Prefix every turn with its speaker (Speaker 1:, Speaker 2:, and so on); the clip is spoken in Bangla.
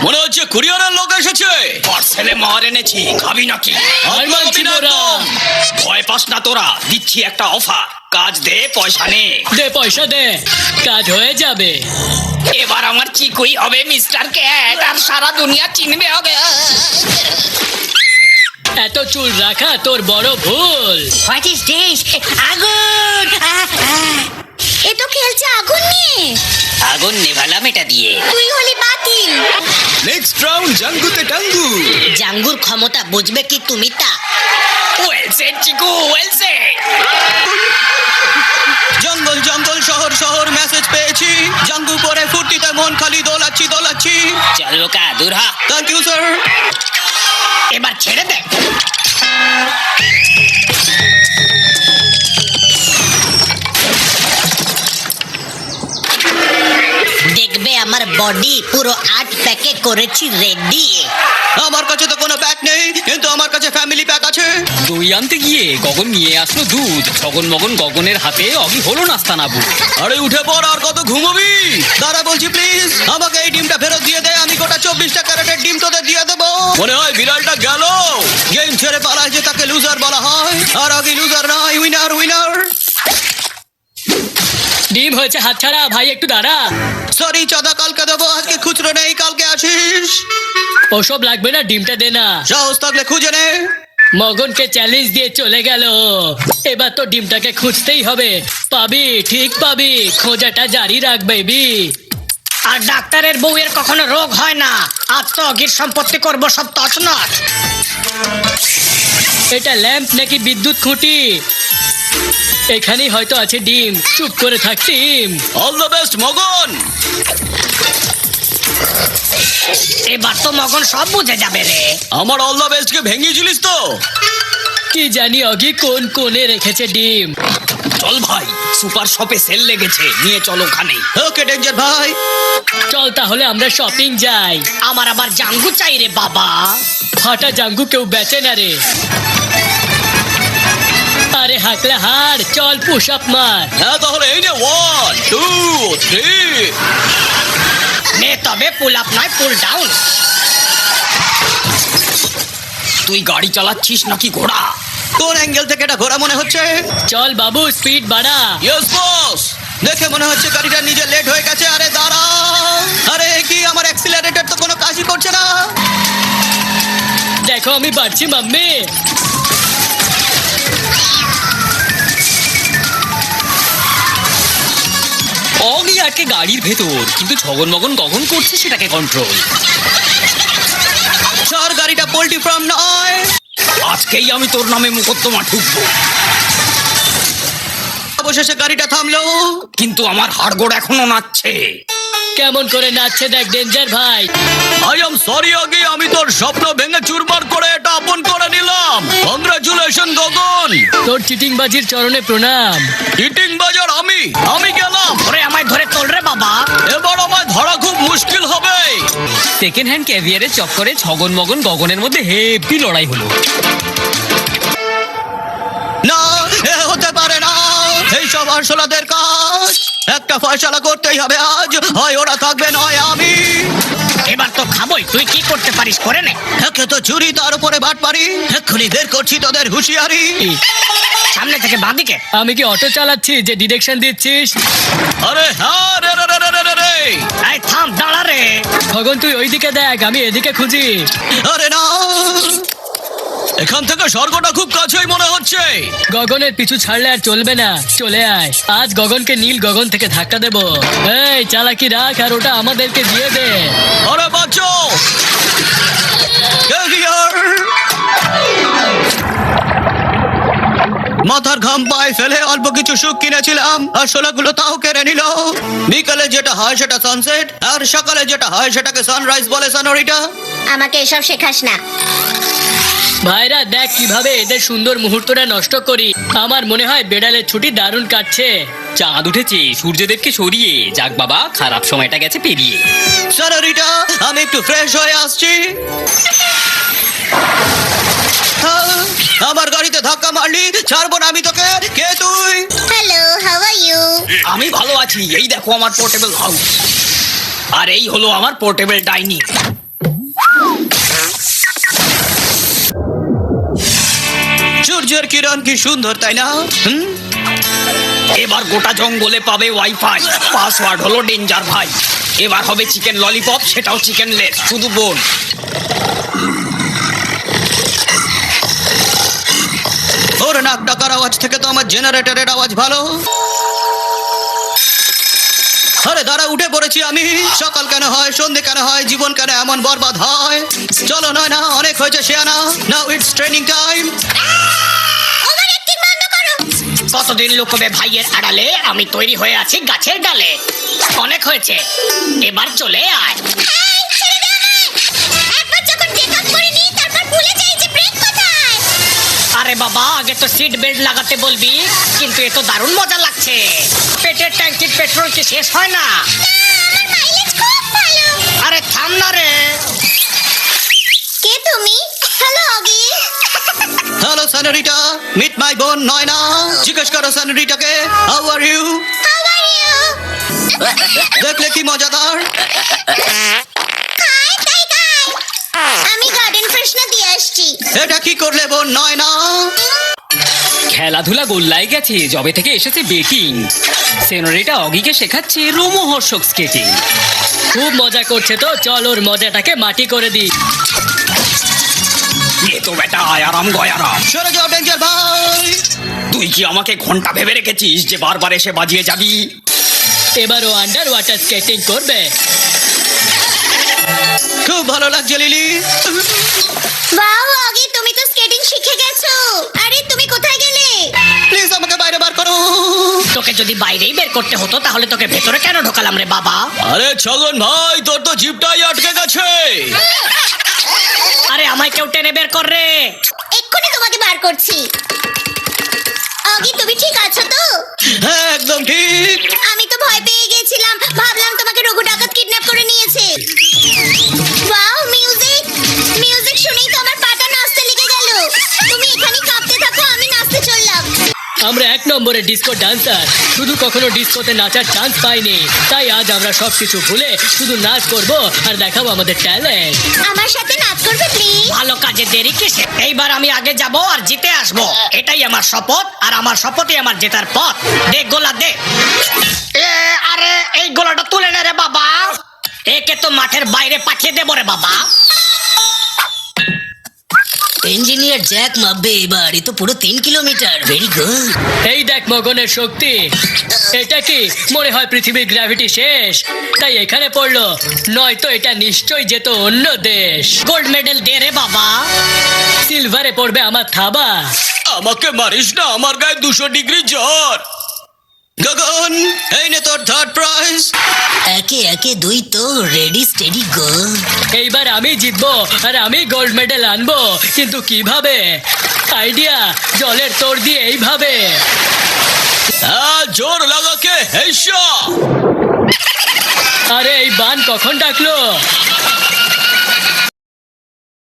Speaker 1: মনে হচ্ছে কুরিয়ারের লোক এসেছে।
Speaker 2: পার্সেলে মার এনেছি, খাবি নাকি? ভয় পাস না তোরা, দিচ্ছি একটা অফার। কাজ দে, পয়সা নে।
Speaker 3: দে পয়সা দে, কাজ হয়ে যাবে।
Speaker 2: এবার আমার চিকুই হবে মিস্টার ক্যাট, আর সারা দুনিয়া চিনবে হবে।
Speaker 3: এত চুল রাখা তোর বড় ভুল।
Speaker 4: What is this? আগুন! এ তো খেলছে আগুন নিয়ে।
Speaker 2: আগুন নেভালাম এটা দিয়ে।
Speaker 4: তুই হলি বাতিল।
Speaker 1: Next round জাঙ্গুতে টাঙ্গু।
Speaker 4: জাঙ্গুর ক্ষমতা বুঝবে কি তুমি তা?
Speaker 2: Well said Chiku, well said.
Speaker 1: জঙ্গল জঙ্গল শহর শহর মেসেজ পেয়েছি। জাঙ্গু পরে ফুর্তিতে মন খালি দোলাচ্ছি।
Speaker 2: চল লোকা, দূর হ।
Speaker 1: Thank you sir.
Speaker 2: এবার ছেড়ে দে।
Speaker 4: দেখবে আমার বডি পুরো 8 প্যাকে করেছি রেডি।
Speaker 1: আমার কাছে তো কোনো প্যাক নেই, কিন্তু আমার কাছে ফ্যামিলি প্যাক আছে।
Speaker 5: দই আনতে গিয়ে গগন নিয়ে আসলো দুধ। ছগন মগন গগনের হাতে অগি হলো নাস্তা নাবু।
Speaker 1: আরে উঠে পড়, আর কত ঘুমোবি? দাঁড়া বলছি প্লিজ, আমাকে এই ডিমটা ফেরত দিয়ে দে। আমি গোটা 24টা ক্যারেটের ডিম তোদের দিয়ে দেবো। মনে হয় বিড়ালটা গেল। গেম ছেড়ে পালায় যে তাকে লুজার বলা হয়, আর আগে লুজার নয়, উইনার উইনার।
Speaker 3: ডিম হয়েছে হাতছাড়া, ভাই একটু দাঁড়া।
Speaker 1: সরি চাঁদা কালকে দেবো, আজকে খুচরো নেই, কালকে আসিস।
Speaker 3: ওসব লাগবে না, ডিমটা দে না।
Speaker 1: সাহস থাকলে খুঁজে নে।
Speaker 3: মগনকে চ্যালেঞ্জ দিয়ে চলে গেল। এবার তো ডিমটাকে খুঁজতেই হবে। পাবি, ঠিক পাবি, খোঁজাটা জারি রাখ বেবি।
Speaker 2: আর ডাক্তারের বউয়ের কখনো রোগ হয় না। আজ তো অগির সম্পত্তি করবো সব তছনছ।
Speaker 3: এটা ল্যাম্প নাকি বিদ্যুৎ খুঁটি? এখানেই হয়তো আছে ডিম। চুপ করে থাক টিম।
Speaker 1: অল দ্য বেস্ট মগন।
Speaker 2: এবার তো মগন সব বুঝে যাবে রে।
Speaker 1: আমার অল দ্য বেস্ট কে ভেঙেছিলিস তো?
Speaker 3: কি জানি অগি কোন কোণে রেখেছে ডিম।
Speaker 2: চল ভাই, সুপার শপে সেল লেগেছে, নিয়ে চল ওখানে।
Speaker 1: ওকে ডেঞ্জার ভাই।
Speaker 3: চল তাহলে আমরা শপিং যাই।
Speaker 2: আমার আবার জাঙ্গু চাই রে বাবা।
Speaker 3: ফাটা জাঙ্গু কেউ বেচে না রে। আরে হাকলে হার, চল পুশ আপ মার।
Speaker 1: হ্যাঁ তাহলে এই নে 1 2 3।
Speaker 2: নে তবে পুল আপ নয়, পুল ডাউন। তুই গাড়ি চালাচ্ছিস নাকি ঘোড়া?
Speaker 1: কোন অ্যাঙ্গেল থেকে এটা ঘোরা মনে হচ্ছে?
Speaker 3: চল বাবু স্পিড বাড়া।
Speaker 1: Yes boss. দেখে মনে হচ্ছে গাড়িটা নিজে লেট হয়ে গেছে। আরে দাঁড়া। আরে কি আমার অ্যাক্সিলারেটর তো কোনো কাজই করছে না।
Speaker 3: দেখো আমি বাড়ছি মাম্মি।
Speaker 5: অগি আটকে গাড়ির ভেতর, কিন্তু ছগন মগন গগন করছে সেটাকে কন্ট্রোল।
Speaker 1: স্যার গাড়িটা পোল্ট্রি ফার্ম নয়।
Speaker 2: আজকেই আমি তোর নামে মোকদ্দমা ঠুকবো।
Speaker 1: অবশেষে গাড়িটা থামলো,
Speaker 2: কিন্তু আমার হাড়গোড় এখনো নাচছে।
Speaker 3: কেমন করে নাচছে দেখ ডেঞ্জার ভাই।
Speaker 1: আই এম সরি অগি, আমি তোর স্বপ্ন ভেঙে চুরমার করে এটা আপন করে নিলাম। কংগ্রাচুলেশন গগন।
Speaker 3: তোর চিটিং বাজির চরণে প্রণাম।
Speaker 1: ইটিং বাজার আমি গেলাম।
Speaker 2: ওরে আমায় ধরে তোল রে বাবা।
Speaker 1: এবার আমায় ধরা খুব মুশকিল হবে।
Speaker 5: সেকেন্ড হ্যান্ড ক্যাভিয়ারের চক্করে ছগন মগন গগনের মধ্যে হেভি লড়াই হলো।
Speaker 1: না, এ হতে পারে না। এইসব আরশোলাদের কাজ। একটা ফয়সালা করতেই হবে আজ, হয় ওরা থাকবে নয় আমি।
Speaker 2: এবার তো খাবোই, তুই কি করতে পারিস করে নে।
Speaker 1: একে তো চুরি, তার উপরে বাট পারি। এক্ষুনি বের করছি তোদের হুঁশিয়ারি।
Speaker 2: সামনে থেকে বাঁদিকে।
Speaker 3: আমি কি অটো চালাচ্ছি যে ডিরেকশন দিচ্ছিস?
Speaker 1: আরে হ্যাঁ রে রে রে রে রে রে।
Speaker 2: এই থাম, দাঁড়া রে।
Speaker 3: খগন তুই ওইদিকে দেখ, আমি এদিকে খুঁজি।
Speaker 1: আরে না, এখান থেকে স্বর্গটা খুব কাছেই মনে হচ্ছে।
Speaker 3: গগনের পিছু ছাড়লে আর চলবে না, চলে আয়। আজ গগনকে নীল গগন থেকে ধাক্কা দেবো। এই চালাকি রাখ, আর ওটা আমাদেরকে দিয়ে দে।
Speaker 1: আরে বাঁচো। মাথার ঘাম পায়ে ফেলে অল্প কিছু সুখ কিনেছিলাম, আর শোলাগুলো তাও কেড়ে নিল। বিকালে যেটা হয় সেটা সানসেট, আর সকালে যেটা হয় সেটাকে সানরাইজ বলে সনোরিটা।
Speaker 4: আমাকে এসব শেখাস না।
Speaker 3: ভাইরা দেখ কিভাবে এদের সুন্দর মুহূর্তটা নষ্ট করি। আমার মনে হয় বেড়ালের ছুটি দারুণ কাটছে।
Speaker 5: চাঁদ উঠেছে, সূর্যদেবকে সরিয়ে যাক বাবা, খারাপ সময়টা গেছে পেরিয়ে।
Speaker 1: সনোরিটা, আমি একটু ফ্রেশ হয়ে আসছি। আমার গাড়িতে ধাক্কা মারলি, ছাড়বো না আমি তোকে। কে তুই?
Speaker 4: Hello, how are you?
Speaker 2: আমি ভালো আছি। এই দেখো আমার পোর্টেবল হাউস, আর এই হলো আমার পোর্টেবল ডাইনিং।
Speaker 1: সূর্যের কিরণ কি সুন্দর তাই না?
Speaker 5: এবার গোটা জঙ্গলে পাবে ওয়াইফাই, পাসওয়ার্ড হলো ডেঞ্জার ভাই। এবার হবে চিকেন ললিপপ, সেটাও চিকেন লেস, শুধু বোন।
Speaker 1: ওর নাক ডাকার আওয়াজ থেকে তো আমার জেনারেটরের আওয়াজ ভালো। আরে দাঁড়া, উঠে পড়েছি আমি। সকাল কেন হয়, সন্ধে কেন হয়, জীবন কেন এমন বরবাদ হয়? চলো নয় না, অনেক হয়েছে শেয়ানা। Now it's training time.
Speaker 4: Over acting বন্ধ করো।
Speaker 2: কতদিন লুকোবে ভাইয়ের আড়ালে, আমি তৈরি হয়ে আছি গাছের ডালে। অনেক হয়েছে, এবার চলে আয়।
Speaker 4: এই, ছেড়ে দে আমায়। একবার যখন টেক অফ করে নিই, তারপর ভুলে যাই যে ব্রেক কোথায়।
Speaker 2: আরে বাবা, আগে তো সিট বেল্ট লাগাতে বলবি। কিন্তু এ তো দারুণ মজা লাগছে। পেটের ট্যাঙ্কির পেট্রোল কি শেষ হয় না?
Speaker 4: আমার মাইলেজ খুব ভালো।
Speaker 2: আরে থাম না রে।
Speaker 4: কে তুমি? Hello Oggy.
Speaker 1: Hello Sanarita, meet my বোন নয় না। জিজ্ঞেস করো স্যানারিটাকে, how are you?
Speaker 4: How are you?
Speaker 1: দেখলে কি মজাদার।
Speaker 4: Hi guy guy. আমি গার্ডেন ফ্রেশনার দিয়ে আসছি।
Speaker 1: এটা কি করলে বোন নয় না?
Speaker 5: খেলাধুলা গোল্লায় গেছে যবে থেকে এসেছে বেটিং। সেনোরিটা অগিকে শেখাচ্ছে রোমহর্ষক স্কেটিং।
Speaker 3: খুব মজা করছে তো, চল ওর মজাটাকে মাটি করে দি।
Speaker 5: এ তো বেটা আয়ারাম গয়ারাম।
Speaker 1: সরে যাও ডেঞ্জার ভাই।
Speaker 5: তুই কি আমাকে ঘন্টা ভেবে রেখেছিস যে বারবার এসে বাজিয়ে যাবি?
Speaker 3: এবারও আন্ডার ওয়াটার স্কেটিং করবে।
Speaker 1: খুব ভালো লাগছে লিলি।
Speaker 4: ওয়াও অগি, তুমি তো স্কেটিং শিখে গেছো। আরে তুমি কোথায় গেলে?
Speaker 1: প্লিজ আমাকে বাইরে বার করো।
Speaker 2: তোকে যদি বাইরেই বের করতে হতো তাহলে তোকে ভেতরে কেন ঢোকালাম রে বাবা?
Speaker 1: আরে ছগন ভাই, তোর তো জিপটাই আটকে গেছে।
Speaker 2: আরে আমায় কেউ টেনে বের কর রে।
Speaker 4: এক্ষুনি তোমাকে বার করছি। অগি, তুমি ঠিক আছো তো?
Speaker 1: হ্যাঁ একদম ঠিক।
Speaker 4: আমি তো ভয় পেয়ে গেছিলাম, ভাবলাম তোমাকে রঘু ডাকাত কিডন্যাপ করে নিয়েছে। ওয়াও, মিউজিক মিউজিক শুনেই তো আমার পাটা নাচতে লেগে গেল। তুমি এখানেই কাঁপতে থাকো, আমি নাচতে চললাম।
Speaker 3: আমরা 1 নম্বরের ডিস্কো ডান্সার, শুধু কখনো ডিস্কোতে নাচার চান্স পাইনি। তাই আজ আমরা সবকিছু ভুলে শুধু নাচ করব আর দেখাবো আমাদের ট্যালেন্ট।
Speaker 4: আমার সাথে নাচ করবে প্লিজ?
Speaker 2: ভালো কাজে দেরি কিসে? এইবার আমি আগে যাব আর জিতে আসব। এটাই আমার শপথ, আর আমার শপথই আমার জেতার পথ। দে গোলা দে। আরে এই গোলাটা তুলে নে রে বাবা। একে তো মাঠের বাইরে পাঠিয়ে দেবো রে বাবা।
Speaker 6: ইঞ্জিনিয়ার জ্যাক মাপবে এবার, এ তো পুরো 3 কিলোমিটার। Very good.
Speaker 3: এই দেখ মগনের শক্তি। এটা কি মনে হয় পৃথিবীর গ্র্যাভিটি শেষ, তাই এখানে পড়লো? নয়তো এটা নিশ্চয়ই যেত অন্য দেশ।
Speaker 2: গোল্ড মেডেল দে রে বাবা।
Speaker 3: সিলভারে পড়বে আমার থাবা।
Speaker 1: আমাকে মারিস না, আমার গায়ে 200 ডিগ্রি জ্বর। গগন, এই নে তোর থার্ড প্রাইজ।
Speaker 6: একে একে 2 তো, রেডি স্টেডি গো।
Speaker 3: এইবার আমি জিতবো আর আমি গোল্ড মেডেল আনবো, কিন্তু কিভাবে? আইডিয়া, জলের তোড় দিয়ে এইভাবে।
Speaker 1: হ্যাঁ, জোর লাগাকে হেসা।
Speaker 3: আরে এই বান কখন ডাকলো?